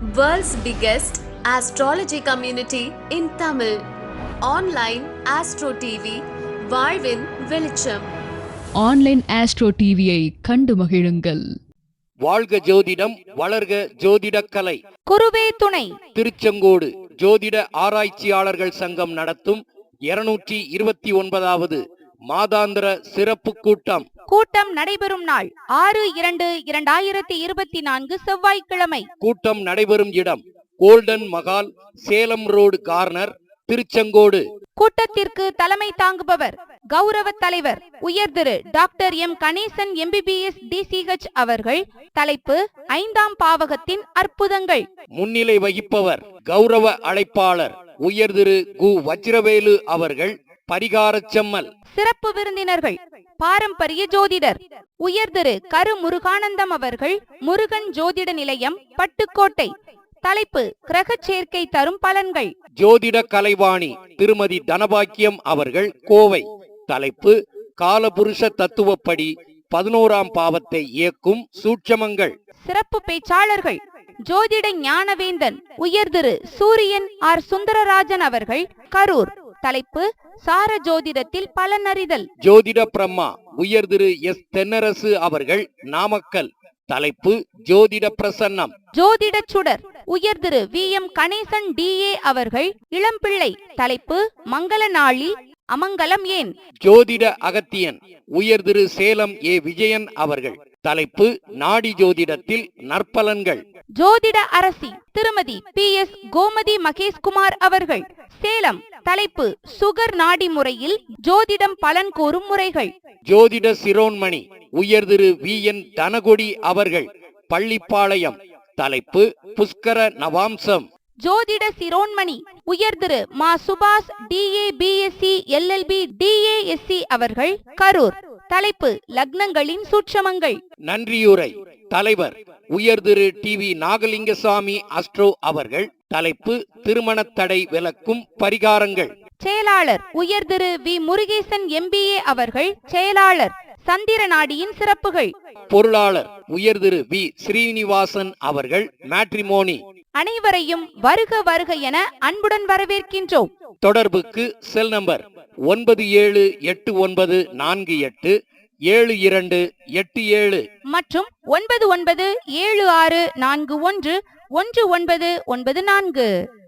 World's biggest astrology community in Tamil. Online Astro TV, வாழ்வின் வெளிச்சம். Online astro டிவியை கண்டு மகிழுங்கள். வாழ்க ஜோதிடம், வளர்க ஜோதிடக்கலை. குருவே துணை. திருச்செங்கோடு ஜோதிட ஆராய்ச்சியாளர்கள் சங்கம் நடத்தும் 229வது மாதாந்திர சிறப்பு கூட்டம். கூட்டம் நடைபெறும் நாள் 6/2/2024 செவ்வாய்க்கிழமை. கூட்டம் நடைபெறும் இடம் golden Mahal, Salem road corner, Tiruchengode. கூட்டத்திற்கு தலைமை தாங்குபவர் கௌரவ தலைவர் உயர் Thiru doctor M Ganesan MBBS DCH அவர்கள். தலைப்பு 5ஆம் பாவகத்தின் அற்புதங்கள். முன்னிலை வகிப்பவர் கௌரவ அழைப்பாளர் உயர் திரு கு வஜ்ரவேலு அவர்கள், பரிகார செம்மல். சிறப்பு விருந்தினர்கள் பாரம்பரிய ஜோதிடர் உயர் திரு கரு முருகானந்தம் அவர்கள், முருகன் ஜோதிட நிலையம், பட்டுக்கோட்டை. தலைப்பு கிரக சேர்க்கை தரும் பலன்கள். ஜோதிட கலைவாணி திருமதி தனபாக்கியம் அவர்கள், கோவை. தலைப்பு காலபுருஷ தத்துவப்படி 11ஆம் பாவத்தை இயக்கும் சூட்சமங்கள். சிறப்பு பேச்சாளர்கள் ஜோதிட ஞானவேந்தன் உயர் திரு சூரியன் ஆர் சுந்தரராஜன் அவர்கள், கரூர். தலைப்பு சார ஜோதிடத்தில் பலனறிதல். ஜோதிட பிரம்மா உயர் திரு S தென்னரசு அவர்கள், நாமக்கல். தலைப்பு ஜோதிட பிரசன்னம். ஜோதிட சுடர் உயர் திரு VM கணேசன் DA அவர்கள், இளம்பிள்ளை. தலைப்பு மங்கள நாளில் அமங்கலம் ஏன். ஜோதிட அகத்தியன் உயர் திரு சேலம் A விஜயன் அவர்கள். தலைப்பு நாடி ஜோதிடத்தில் நற்பலன்கள். ஜோதிட அரசி திருமதி PS கோமதி மகேஷ்குமார் அவர்கள், சேலம். தலைப்பு சுகர் நாடி முறையில் ஜோதிடம் பலன் கூறும் முறைகள். ஜோதிட சிரோன்மணி உயர் திரு VN தனகொடி அவர்கள், பள்ளிப்பாளையம். தலைப்பு புஷ்கர நவாம்சம். ஜோதிட சிரோன்மணி உயர் திரு மா சுபாஷ் DA BSc LLB DASC அவர்கள், கரூர். தலைப்பு லக்னங்களின் சூட்சமங்கள். நன்றியுரை தலைவர் உயர் திரு TV நாகலிங்கசாமி அஸ்ட்ரோ அவர்கள். தலைப்பு திருமண தடை விலக்கும் பரிகாரங்கள். செயலாளர் உயர் திரு V முருகேசன் MBA அவர்கள், செயலாளர் சந்திர நாடியின் சிறப்புகள். பொருளாளர் உயர் திரு V ஸ்ரீனிவாசன் அவர்கள், மேட்ரிமோனி. அனைவரையும் வருக வருக என அன்புடன் வரவேற்கின்றோம். தொடர்புக்கு செல் நம்பர் 9781487287 மற்றும் 9976411994.